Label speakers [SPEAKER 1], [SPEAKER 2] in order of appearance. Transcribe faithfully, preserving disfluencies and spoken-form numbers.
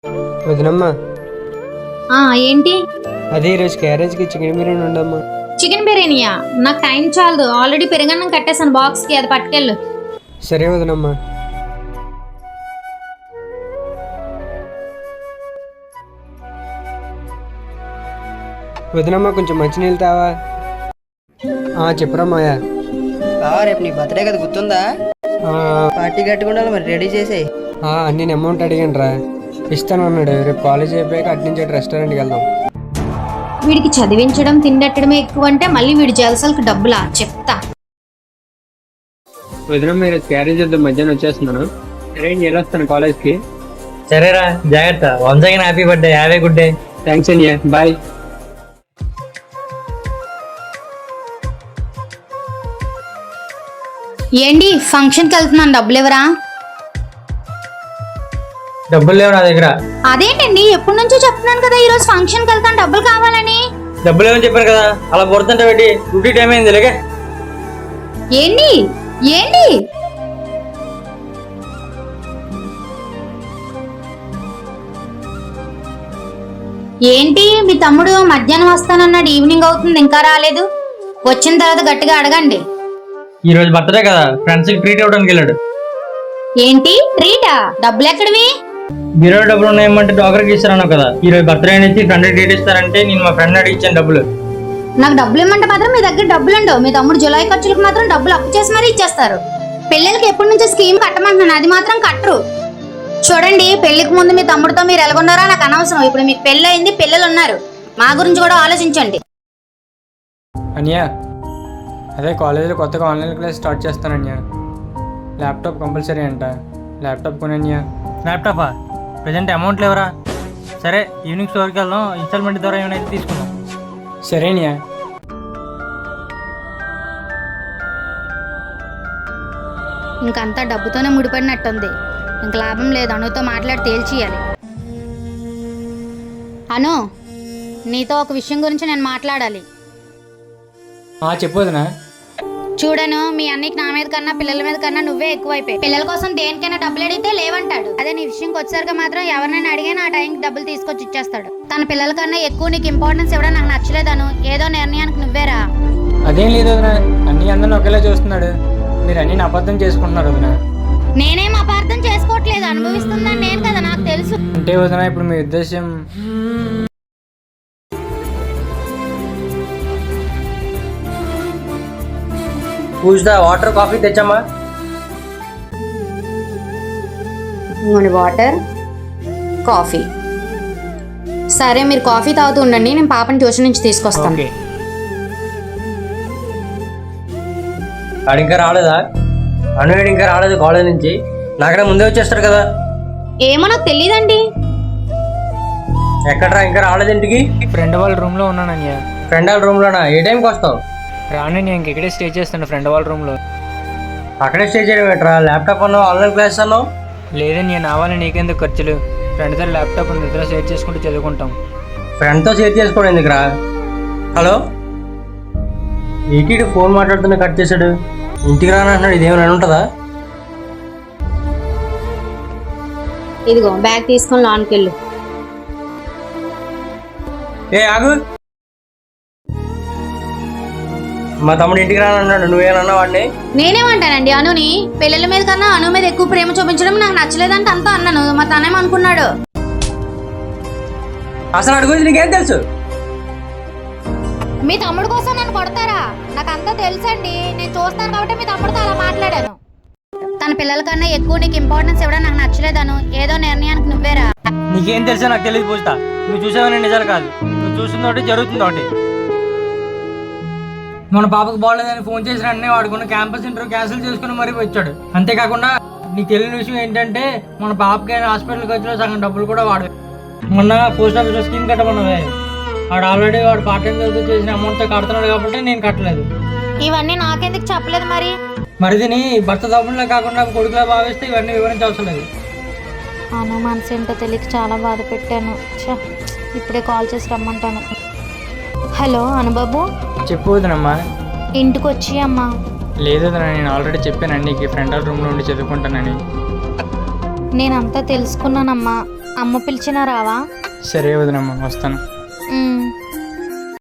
[SPEAKER 1] వదినమ్మా
[SPEAKER 2] ఆ ఏంటి?
[SPEAKER 1] అదే ఈరోజు క్యారేజ్కి చికెన్ బిర్యానీ ఉండమ్మా.
[SPEAKER 2] చికెన్ బిర్యానీయా? నాకు టైం చాలదు, ఆల్రెడీ పెరుగన్నం కట్టేసాను బాక్స్కి, అది పట్టుకెళ్ళు.
[SPEAKER 1] సరే వదినమ్మా. వదినమ్మా కొంచెం మంచినీళ్ళు తావా? చెప్పురా మాయా.
[SPEAKER 3] బావా రేపు నీ బర్త్డే కదా, గుర్తుందా? పార్టీ కట్టుకుండాలి మరి, రెడీ చేసేయి.
[SPEAKER 1] నేను అమౌంట్ అడిగాను రా, ఇస్తాను అన్నాడు. రేపు కాలేజ్ అయిపోయాక అటు నుంచి అటు రెస్టారెంట్కి వెళ్దాం.
[SPEAKER 2] వీడికి చదివించడం తిండట్టడమే ఎక్కువ అంటే మళ్ళీ వీడి జలసాలకు డబ్బులా చెప్తా.
[SPEAKER 1] వదినమ్మ ఈరోజు క్యారేజ్ చేద్దాం, మధ్యాహ్నం వచ్చేస్తున్నాను. అరేంజ్ వెళ్ళొస్తాను కాలేజ్కి.
[SPEAKER 4] సరేరా, జాగ్రత్త. Once again happy birthday. Have a good day.
[SPEAKER 1] Thanks అన్నయ్య, బాయ్.
[SPEAKER 2] ఏంటి ఫంక్షన్కి వెళ్తున్నాను, డబ్బులు ఎవరా?
[SPEAKER 4] డబ్బులు లేవు నా దగ్గర.
[SPEAKER 2] అదేంటండి, ఎప్పటి నుంచో చెప్తున్నాను కదా ఈరోజు ఫంక్షన్కి వెళ్తాను, డబ్బులు కావాలని.
[SPEAKER 4] డబ్బులు లేవని చెప్పాను కదా, అలా పొడుతుంటే పెట్టి డ్యూటీ టైం అయింది. లేకే
[SPEAKER 2] ఏంటి ఏంటి ఏంటి మీ తమ్ముడు మధ్యాహ్నం వస్తానన్నాడు, ఈవినింగ్ అవుతుంది ఇంకా రాలేదు. వచ్చిన తర్వాత గట్టిగా అడగండి.
[SPEAKER 4] ఈ రోజు బర్త్డే కదా, ఫ్రెండ్స్ కి ట్రీట్ ఇవ్వడానికి వెళ్ళాడు.
[SPEAKER 2] ఏంటి ట్రీటా? డబ్బులు ఎక్కడివి?
[SPEAKER 4] బీరో డబ్బులు ఉన్నాయేమంటే డాక్టర్కి ఇస్తారన్నావు కదా. ఈ రోజు బర్త్డే నుంచి ఫ్రెండ్ ట్రీట్ ఇస్తారంటే నేను మా ఫ్రెండ్ అడిగి ఇచ్చాను డబ్బులు.
[SPEAKER 2] నాకు డబ్బులు ఇమ్మంటే మాత్రం మీ దగ్గర డబ్బులు ఉండవు. మీ తమ్ముడు జులై ఖర్చులకు మాత్రం డబ్బులు అప్పు చేసి మరీ ఇచ్చేస్తారు. పిల్లలకి ఎప్పటి నుంచో స్కీమ్ కట్టమంటున్నాను, అది మాత్రం కట్టరు. చూడండి, పెళ్లికి ముందు మీ తమ్ముడితో మీరు ఎలాగొన్నారో నాకు అనవసరం. ఇప్పుడు మీకు పెళ్ళి అయింది, పిల్లలు ఉన్నారు, మా గురించి కూడా ఆలోచించండి.
[SPEAKER 1] అన్యా అదే కాలేజీలో కొత్తగా ఆన్లైన్ క్లాస్ స్టార్ట్ చేస్తాను అన్యా. ల్యాప్టాప్ కంపల్సరీ అంట, ల్యాప్టాప్ కొనన్యా.
[SPEAKER 4] ల్యాప్టాపా? ప్రజెంట్ అమౌంట్ లేవరా. సరే ఈవినింగ్ స్టోర్కి వెళ్దాం, ఇన్స్టాల్మెంట్ ద్వారా ఏమైనా తీసుకుందాం.
[SPEAKER 1] సరేన్యా.
[SPEAKER 2] ఇంకంతా డబ్బుతోనే ముడిపడినట్టుంది, ఇంక లాభం లేదు. అనుతో మాట్లాడి తేల్చేయాలి. అను, నీతో ఒక విషయం గురించి నేను మాట్లాడాలి.
[SPEAKER 1] చెప్పొద్దునా?
[SPEAKER 2] చూడను, మీ అన్నికి నా మీద కన్నా పిల్లల మీద కన్నా నువ్వే ఎక్కువైపోయి. పిల్లల కోసం దేనికైనా డబ్బులు అడిగితే లేవంటాడు. అదే నీ విషయంకి వచ్చేసరికి మాత్రం ఎవరినైనా అడిగినా ఆ టైంకి డబ్బులు తీసుకొచ్చి ఇచ్చేస్తాడు. తన పిల్లల కన్నా ఎక్కువ నీకు ఇంపార్టెన్స్ ఇవ్వడం నాకు నచ్చలేదను. ఏదో నిర్ణయానికి నువ్వేరా.
[SPEAKER 1] అదేం లేదు వదినా, అన్ని అందరిని ఒకేలా చూస్తున్నాడు. మీరు అన్ని అబద్ధం చేసుకుంటున్నారు వదినా.
[SPEAKER 2] నేనేం అపార్థం చేసుకోవట్లేదు, అనుభవిస్తుందని నేను కదా, నాకు తెలుసు.
[SPEAKER 1] అంటే వదినా ఇప్పుడు మీ ఉద్దేశం?
[SPEAKER 4] పూజా వాటర్ కాఫీ తెచ్చమ్మా.
[SPEAKER 2] Water coffee. సరే మీరు కాఫీ తాగుతూ ఉండండి, నేను పాపని ట్యూషన్ నుంచి తీసుకొస్తాను.
[SPEAKER 1] ఓకే.
[SPEAKER 4] వాడు ఇంకా రాలేదా? అనువేడు ఇంకా రాలేదు కాలేజ్ నుంచి. నాకన్నా ముందే వచ్చేస్తాడు కదా.
[SPEAKER 2] ఏమో నాకు తెలియదండి.
[SPEAKER 4] ఎక్కడరా ఇంకా రాలేదు ఇంటికి?
[SPEAKER 1] ఫ్రెండ్ వాళ్ళ రూమ్లో ఉన్నాను అన్యా.
[SPEAKER 4] ఫ్రెండ్ వాళ్ళ రూమ్లోనా? ఏ టైంకి వస్తావు?
[SPEAKER 1] రాను, నేను ఇంకెక్కడే స్టే చేస్తాను ఫ్రెండ్ వాళ్ళ రూమ్లో.
[SPEAKER 4] అక్కడే స్టే చేయడం ఏంట్రా? ల్యాప్టాప్ అన్నావు, ఆన్లైన్ క్లాస్ అన్నావు.
[SPEAKER 1] లేదని నేను ఆవాలి, నీకెందుకు ఖర్చులు? ఫ్రెండ్ దగ్గర ల్యాప్టాప్ ఉంది, ఇద్దరు షేర్ చేసుకుంటూ చదువుకుంటాం.
[SPEAKER 4] ఫ్రెండ్తో షేర్ చేసుకోవడం ఎందుకురా? హలో, ఈటీడీ ఫోన్ మాట్లాడుతున్నా కట్ చేశాడు. ఇంటికి రానంటున్నాడు, ఇదేమైనా ఉంటుందా?
[SPEAKER 2] ఇదిగో బ్యాగ్ తీసుకొని లోన్కి వెళ్ళు.
[SPEAKER 4] ఏ ఆగు, మా తమ్ముడు ఇంటికి రానన్నాడు, నువ్వేమన్నా వాడిని?
[SPEAKER 2] నేనేమంటానండి, అనుని పిల్లల మీద కన్నా అను మీద ఎక్కువ ప్రేమ చూపించడం నాకు నచ్చలేదంటే అంతా అన్నాను. మా తనేమనుకున్నాడు?
[SPEAKER 4] అసలు అడుగు, నీకేం తెలుసు?
[SPEAKER 2] మీ తమ్ముడు కోసం నన్ను కొడతారా? నాకు అంతా తెలుసండి, నేను చూస్తాను కాబట్టి మీ తమ్ముడితో అలా మాట్లాడాను. తన పిల్లల కన్నా ఎక్కువ నీకు ఇంపార్టెన్స్ ఇవ్వడం నాకు నచ్చలేదను. ఏదో నిర్ణయానికి నువ్వేరా.
[SPEAKER 4] నీకేం తెలుసా? నాకు తెలియదు పూజితా. నువ్వు చూసావని నిజాలు కాదు, నువ్వు చూసిన ఒకటి జరుగుతుంది ఒకటి. మన పాపకు బాగోలేదని ఫోన్ చేసిన వెంటనే వాడుకున్న క్యాంపస్ ఇంటర్వ్యూ క్యాన్సిల్ చేసుకుని మరీ వచ్చాడు. అంతేకాకుండా నీకు తెలియని విషయం ఏంటంటే మన పాపకి హాస్పిటల్ ఖర్చులో సగం డబ్బులు కూడా వాడు. మొన్న పోస్ట్ ఆఫీస్లో స్కీమ్ కట్టమన్నవే, వాడు ఆల్రెడీ వాడు పార్ట్ టైం చదువుతూ చేసిన అమౌంట్తో కడుతున్నాడు కాబట్టి నేను కట్టలేదు.
[SPEAKER 2] ఇవన్నీ నాకెందుకు చెప్పలేదు మరి?
[SPEAKER 4] మరి నీ భర్త తప్పులో కాకుండా కొడుకులా భావిస్తే ఇవన్నీ వివరించవసరం లేదు.
[SPEAKER 2] అను మనసు ఏంటో తెలియక చాలా బాధ పెట్టాను. ఇప్పుడే కాల్ చేసి రమ్మంటాను. హలో అనుబాబు.
[SPEAKER 1] చెప్పు వదినమ్మా.
[SPEAKER 2] ఇంటికి వచ్చి అమ్మా.
[SPEAKER 1] లేదు నేను ఆల్రెడీ చెప్పాను నీకు, ఫ్రెండ్ రూమ్లో ఉండి చదువుకుంటానని.
[SPEAKER 2] నేనంతా తెలుసుకున్నానమ్మా. అమ్మ పిలిచినా రావా?
[SPEAKER 1] సరే వదినమ్మా, వస్తాను.
[SPEAKER 2] ఉమ్.